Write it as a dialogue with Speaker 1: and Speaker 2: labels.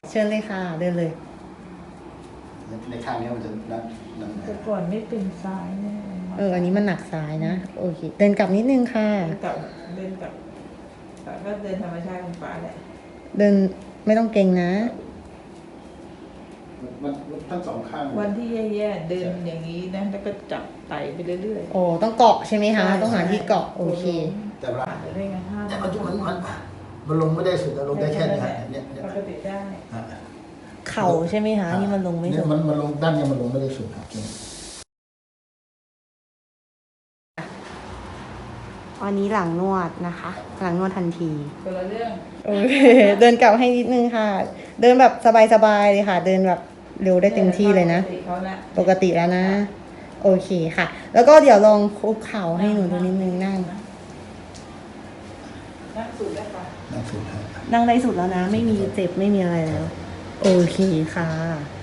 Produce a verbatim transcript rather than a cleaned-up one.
Speaker 1: เชิญเลยค่ะเดินเลย
Speaker 2: ในข้างนี้มันจะนั่นนั่น
Speaker 3: แต่ก่อนไม่เป็นซ้ายเนี่ย
Speaker 1: เอออันนี้มันหนักซ้ายนะโอเคเดินกลับนิดนึงค่ะ
Speaker 3: เดินกลับเดินกลับแต่ก็เดินธรรมชาติของฟ้าแหละ
Speaker 1: เดินไม่ต้องเกรงนะ
Speaker 2: มันทั้งสองข้าง
Speaker 3: วันที่แย่ๆเดินอย่างนี้นะแล้วก็จับไต่ไปเรื่อย
Speaker 1: โอ้ต้องเกาะใช่ไหม
Speaker 3: ๆ
Speaker 1: คะต้องหาที่เกาะโอเค
Speaker 2: แต่ว่า
Speaker 3: ผ่านไปได้ไงห้า
Speaker 2: แต่มันมันมันมันลงไม่ได้สุดลงได้แค่นี้ฮะเนี่ยเนี่ย
Speaker 3: ปกติได้
Speaker 1: เข่าใช่ไหมคะนี่มันลงไม่
Speaker 2: เนี่
Speaker 1: สุ
Speaker 2: ย
Speaker 1: ด
Speaker 2: มันมันลงด้านนี้มันลงไม่ได้สุดครับ
Speaker 1: วันนี้หลังนวดนะคะ หลังนวดทันที
Speaker 3: คนละเรื่อง
Speaker 1: โอเคเดินกลับให้นิดนึงค่ะ เดินแบบสบายๆเลยค่ะ เดินแบบเร็วได้เต็มที่เลยนะ
Speaker 3: ปกติเขาละ
Speaker 1: ปกติแล้วนะ โอเคค่ะ แล้วก็เดี๋ยวลองคุกเข่าให้หนูดูนิดนึงนั่ง
Speaker 3: นั่งสูดได้ปะ
Speaker 2: นั่นสุดฮะ
Speaker 1: นั่งได้สุดแล้วนะ ไม่มีเจ็บไม่มีอะไรแล้ว โอเคค่ะ